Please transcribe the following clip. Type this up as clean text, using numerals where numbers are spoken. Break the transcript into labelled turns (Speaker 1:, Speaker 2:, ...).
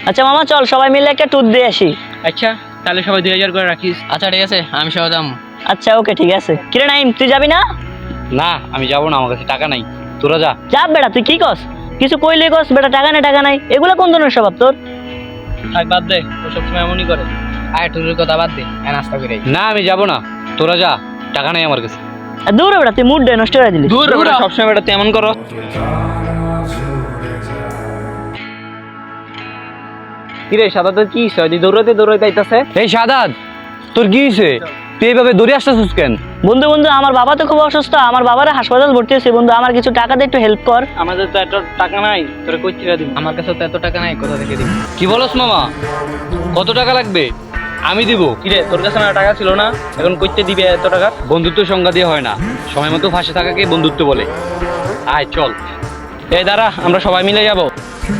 Speaker 1: আচ্ছা মামা চল সবাই মিলে একটা ট্যুর দিয়ে আসি।
Speaker 2: আচ্ছা তাহলে সবাই 2000 করে রাখিস।
Speaker 3: আচ্ছা ঠিক আছে, আমি সহ যাম।
Speaker 1: আচ্ছা ওকে ঠিক আছে। কিরে নাইম তুই যাবি না?
Speaker 4: না আমি যাবো না, আমার কাছে টাকা নাই, তোরা যা।
Speaker 1: যা বেটা তুই কি কস? কিছু কইলে কস বেটা টাকা নাই এগুলা কোন ধরনের স্বভাব তোর?
Speaker 2: থাক বাদ দে, ও সবসময় এমনই করে।
Speaker 3: আয় টুরের কথা বাদ দে, নাস্তা করে আই।
Speaker 4: না আমি যাবো না, তোরা যা, টাকা নাই আমার কাছে।
Speaker 1: আর দূর বেটা তুই মুড নষ্ট করে দিলি।
Speaker 2: দূর বেটা, সবসময় বেটা তুই এমন করো। কিরে সাদা তো কি হয়, দৌড়াইতে আইতাছে।
Speaker 4: এই সাদাত, তোর কি হয়েছে? তুই এইভাবে দৌড়ে আসতেছিস কেন?
Speaker 1: বন্ধু আমার বাবা তো খুব অসুস্থ, আমার বাবারা হাসপাতাল ভর্তি হয়েছে। বন্ধু আমার কিছু টাকা দিয়ে একটু হেল্প কর।
Speaker 2: আমাদের তো এত টাকা নাই, তোরে কই থেকে দিব?
Speaker 3: আমার কাছে তো এত টাকা নাই, কোথা থেকে দিবি?
Speaker 4: কি বলস মামা? কত টাকা লাগবে? আমি দিব।
Speaker 2: কিরে তোর কাছে না টাকা ছিল না, এখন কইতে দিবে এত টাকা?
Speaker 4: বন্ধুত্ব সংজ্ঞা দিয়ে হয় না, সময় মতো ফাঁসে থাকাকে বন্ধুত্ব বলে। আয় চল।
Speaker 2: এই দাঁড়া, আমরা সবাই মিলে যাব।